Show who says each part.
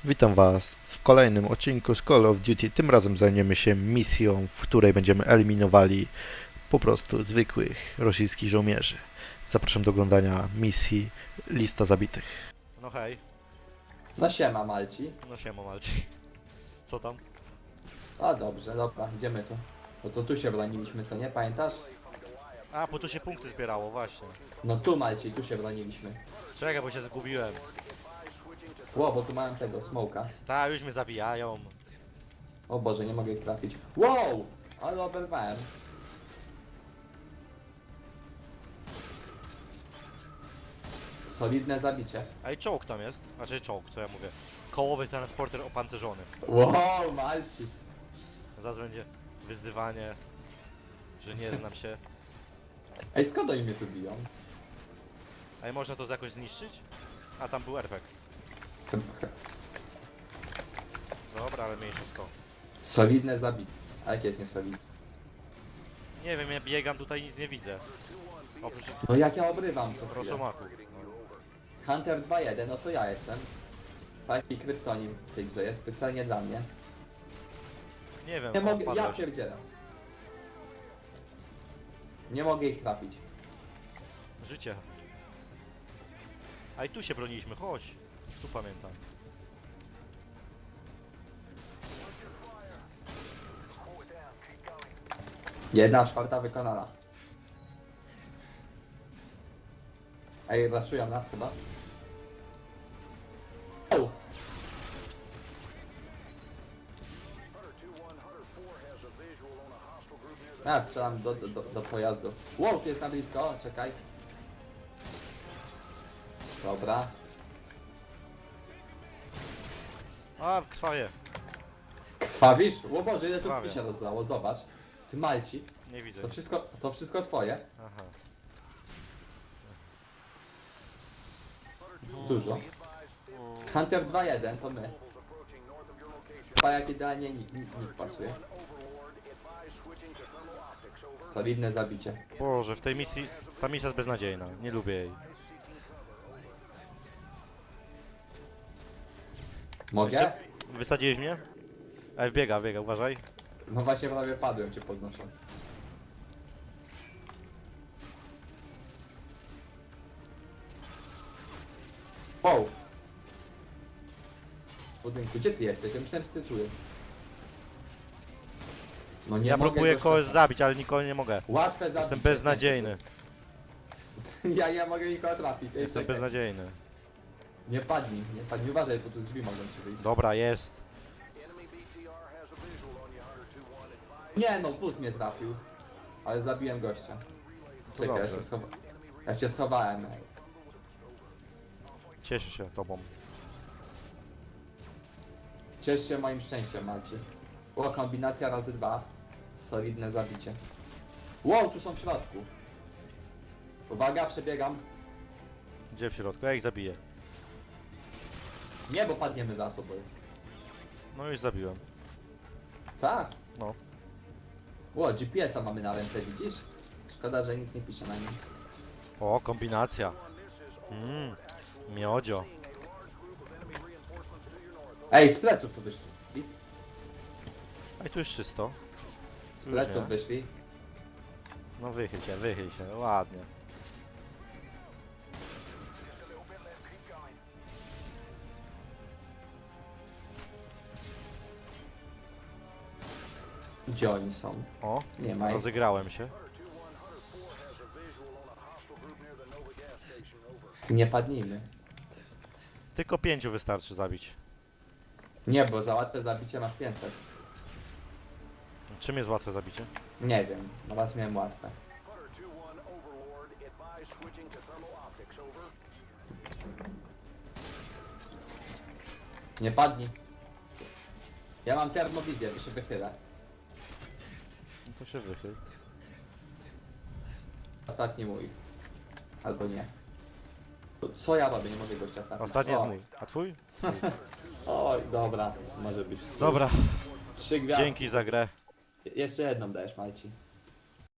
Speaker 1: Witam Was w kolejnym odcinku z Call of Duty. Tym razem zajmiemy się misją, w której będziemy eliminowali po prostu zwykłych rosyjskich żołnierzy. Zapraszam do oglądania misji Lista Zabitych. No hej,
Speaker 2: No siema Malci.
Speaker 1: no siema Malci. Co tam?
Speaker 2: A dobrze, dobra, idziemy tu. No to tu się broniliśmy, co nie? Pamiętasz?
Speaker 1: A, bo tu się punkty zbierało, właśnie.
Speaker 2: No tu Malci, tu się broniliśmy.
Speaker 1: Czekaj, bo się zgubiłem.
Speaker 2: Ło, bo tu mam tego, smoka.
Speaker 1: Ta, już mnie zabijają.
Speaker 2: O Boże, nie mogę ich trafić. Wow! Ale oberwałem. Solidne zabicie.
Speaker 1: A i czołg tam jest. Znaczy czołg, co ja mówię. Kołowy transporter opancerzony.
Speaker 2: Wow, Malci.
Speaker 1: Zaraz będzie wyzywanie, że nie znam się.
Speaker 2: Ej, skąd oni mnie tu biją?
Speaker 1: A i można to jakoś zniszczyć? A tam był RPG. Dobra, ale mniejsza z to.
Speaker 2: Solidne zabicie. A jakie jest niesolidne?
Speaker 1: Nie wiem, ja biegam tutaj, nic nie widzę. Oprócz
Speaker 2: No jak ja obrywam co chwilę.
Speaker 1: rosomaku.
Speaker 2: Hunter 2.1, no to ja jestem. Taki kryptonim w tej grze jest specjalnie dla mnie.
Speaker 1: Nie wiem,
Speaker 2: Nie mogę, ja
Speaker 1: odpadłeś.
Speaker 2: pierdzielam. Nie mogę ich trafić.
Speaker 1: Życie. A i tu się broniliśmy, chodź. Tu pamiętam.
Speaker 2: Jedna czwarta wykonana. Ej, raszują nas chyba. O! Ja strzelam do pojazdu. Wow, tu jest na blisko, czekaj. Dobra.
Speaker 1: A, krwawie.
Speaker 2: Krwawisz? O Boże, ile tu
Speaker 1: Krwawie.
Speaker 2: krwi się rozlało, zobacz. Ty Malci,
Speaker 1: Nie widzę.
Speaker 2: to wszystko twoje.
Speaker 1: Aha.
Speaker 2: Dużo. Hunter 2.1 to my. Chyba jak idealnie nikt pasuje. Solidne zabicie.
Speaker 1: Boże, w tej misji... Ta misja jest beznadziejna. Nie lubię jej.
Speaker 2: Mogę?
Speaker 1: Wysadziłeś mnie? Ej, biega, uważaj.
Speaker 2: No właśnie prawie padłem cię podnosząc. Wow! W budynku, gdzie ty jesteś? Ja myślałem, że ty tu jest. No nie
Speaker 1: Ja
Speaker 2: mogę
Speaker 1: próbuję
Speaker 2: gościa
Speaker 1: kogoś
Speaker 2: trafić.
Speaker 1: zabić, ale nikogo nie mogę.
Speaker 2: Łatwe zabicie.
Speaker 1: Jestem beznadziejny.
Speaker 2: Ja mogę nikogo trafić. Ej,
Speaker 1: Jestem
Speaker 2: czekaj.
Speaker 1: beznadziejny.
Speaker 2: Nie padnij, uważaj, bo tu drzwi mogą ci wyjść.
Speaker 1: Dobra, jest.
Speaker 2: Nie no, wóz mnie trafił. Ale zabiłem gościa. Czekaj,
Speaker 1: dobrze.
Speaker 2: ja się schowałem.
Speaker 1: Cieszę się tobą.
Speaker 2: Ciesz się moim szczęściem, Maci. O, kombinacja razy 2. Solidne zabicie. Wow, tu są w środku. Uwaga, przebiegam.
Speaker 1: Gdzie w środku? Ja ich zabiję.
Speaker 2: Nie, bo padniemy za sobą.
Speaker 1: No już zabiłem.
Speaker 2: Tak.
Speaker 1: No.
Speaker 2: O, GPS-a mamy na ręce, widzisz? Szkoda, że nic nie pisze na nim.
Speaker 1: O, kombinacja. Miodzio.
Speaker 2: Ej, z pleców tu wyszli.
Speaker 1: A i tu jest czysto.
Speaker 2: Z
Speaker 1: Już
Speaker 2: pleców
Speaker 1: nie.
Speaker 2: wyszli.
Speaker 1: No wychyl się, ładnie.
Speaker 2: Gdzie oni są?
Speaker 1: O,
Speaker 2: Nie ma ich.
Speaker 1: rozegrałem się.
Speaker 2: Nie padnijmy.
Speaker 1: Tylko 5 wystarczy zabić.
Speaker 2: Nie, bo za łatwe zabicie masz 500.
Speaker 1: Czym jest łatwe zabicie?
Speaker 2: Nie wiem, na was miałem łatwe. Nie padnij. Ja mam termowizję, to się wychyla.
Speaker 1: No to się wychyl.
Speaker 2: Ostatni mój. Albo nie. To co ja robię? Nie mogę go trafić.
Speaker 1: Ostatni jest mój. A twój?
Speaker 2: Oj, dobra, może być.
Speaker 1: Dobra,
Speaker 2: 3 gwiazdy.
Speaker 1: dzięki za grę.
Speaker 2: Jeszcze jedną dajesz, Malci.